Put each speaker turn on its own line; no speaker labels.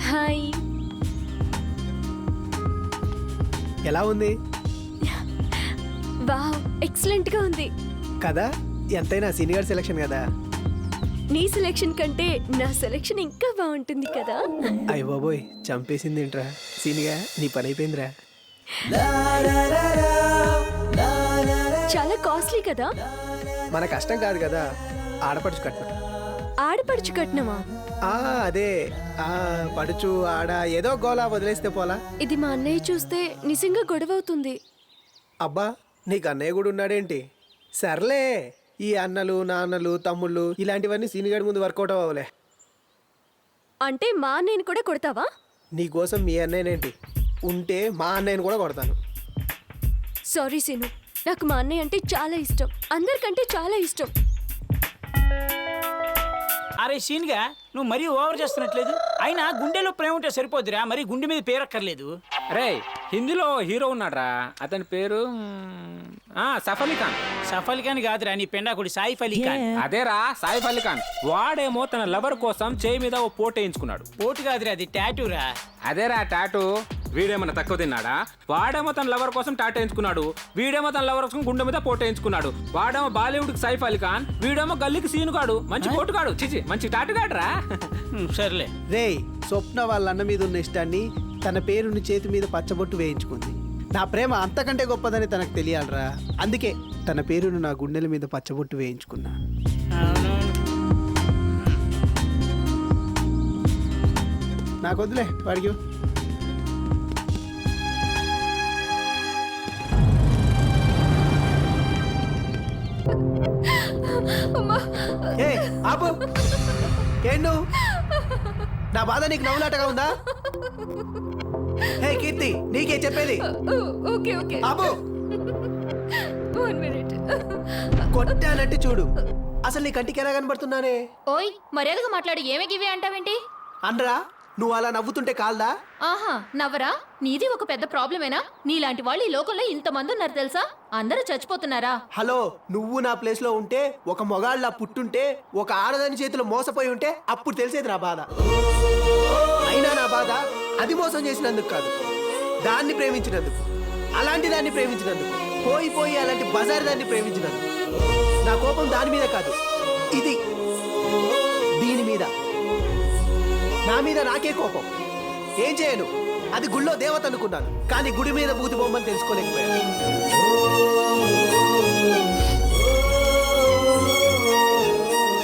Hi.
ఎలా ఉంది?
Wow, excellent గా ఉంది
కదా, ఎంతైనా సీనియర్ సెలక్షన్ కదా.
నీ సెలెక్షన్ కంటే నా సెలెక్షన్ ఇంకా బాగుంటుంది కదా.
అయ్య బాబోయ్, చంపేసింది ఏంట్రా సీనిగా, నీ పని అయిపోయిందిరా.
చాలా కాస్ట్లీ కదా.
మన కష్టం కాదు కదా, ఆడపడుచు కట్నం.
ఆడపడుచు కట్నమా?
అదే పడుచు ఆడ ఏదో గోలా వదిలేస్తే పోలా.
ఇది మా అన్నయ్య చూస్తే నిజంగా గొడవ అవుతుంది.
అబ్బా, నీకు అన్నయ్య కూడా ఉన్నాడేంటి? సర్లే, ఈ అన్నలు నాన్నలు తమ్ముళ్ళు ఇలాంటివన్నీ సీనియర్ ముందు వర్కౌట్ అవ్వలే.
అంటే మా అన్నయ్యని కూడా కొడతావా?
నీకోసం మీ అన్నయ్యనేంటి, ఉంటే మా అన్నయ్యని కూడా కొడతాను.
సారీ సీను, నాకు మా అన్నయ్య అంటే చాలా ఇష్టం, అందరికంటే చాలా ఇష్టం.
అరే సీన్గా, నువ్వు మరీ ఓవర్ చేస్తున్నట్లేదు. అయినా గుండెలో ప్రేమ ఉంటే సరిపోద్దిరా, మరి గుండె మీద పేరక్కర్లేదు.
రే, హిందీలో హీరో ఉన్నాడ్రా, అతని పేరు సైఫ్ అలీ ఖాన్.
సైఫ్ అలీ ఖాన్ కాదురా, నీ పెండాకుడి సైఫ్ అలీ ఖాన్.
అదేరా సైఫ్ అలీ ఖాన్. వాడేమో తన లవర్ కోసం చేయి మీద ఓ పోటు వేయించుకున్నాడు.
పోటు కాదురా, అది టాటూరా.
అదేరా టాటూ. వీడేమన్నా తక్కువ తిన్నాడా? వాడేమో తన లవర్ కోసం టాటూ వేయించుకున్నాడు, వీడేమో తన లవర్ కోసం గుండె మీద పోటు వేయించుకున్నాడు. వాడేమో బాలీవుడ్ కి సైఫ్ అలీ ఖాన్, వీడేమో గల్లీకి సీనుగాడు. మంచి పోటుగాడు, చిచి మంచి టాటుగాడురా.
సర్లే.
రేయ్, స్వప్న వాళ్ళ అన్న మీద ఉన్న ఇష్టాన్ని తన పేరుని చేతి మీద పచ్చబొట్టు వేయించుకుంది. నా ప్రేమ అంతకంటే గొప్పదని తనకు తెలియాలరా, అందుకే తన పేరును నా గుండెల మీద పచ్చబొట్టు వేయించుకున్నా. నాకు వద్దులే, వాడికి. ఏ ఆపు, ఏండు నా బాధ నీకు నవ్వులాటగా ఉందా? హే కీర్తి, నీకే చెప్పేది.
ఓకే ఓకే,
ఆపు.
1 మినిట్.
కొట్టానంటే చూడు, అసలు నీ కంటికి ఎలా కనబడుతున్నానే?
ఓయ్, మర్యాదగా మాట్లాడు. ఏమే గివి అంటావేంటి?
అనరా, నువ్వు అలా నవ్వుతుంటే కాల్దా?
ఆహా, నవ్వరా? నీది ఒక పెద్ద ప్రాబ్లమేనా? నీలాంటి వాళ్ళు ఈ లోకంలో ఇంతమంది ఉన్నారు తెలుసా? అందరూ చచ్చిపోతున్నారా?
హలో, నువ్వు నా ప్లేస్ లో ఉంటే, ఒక మొగాళ్ళ పుట్టుంటే, ఒక ఆడదాని చేతిలో మోసపోయి ఉంటే అప్పుడు తెలిసేది నా బాధ. అయినా నా బాధ అది మోసం చేసినందుకు కాదు, దాన్ని ప్రేమించినందుకు. అలాంటి దాన్ని ప్రేమించినందుకు, పోయి పోయి అలాంటి బజార్ దాన్ని ప్రేమించినందుకు. నా కోపం దాని మీద కాదు, ఇది దీని మీద. నా మీద నాకే కోపం. ఏం చేయను, అది గుళ్ళో దేవత అనుకున్నాను, కానీ గుడి మీద బూతి బొమ్మని తెలుసుకోలేకపోయాను.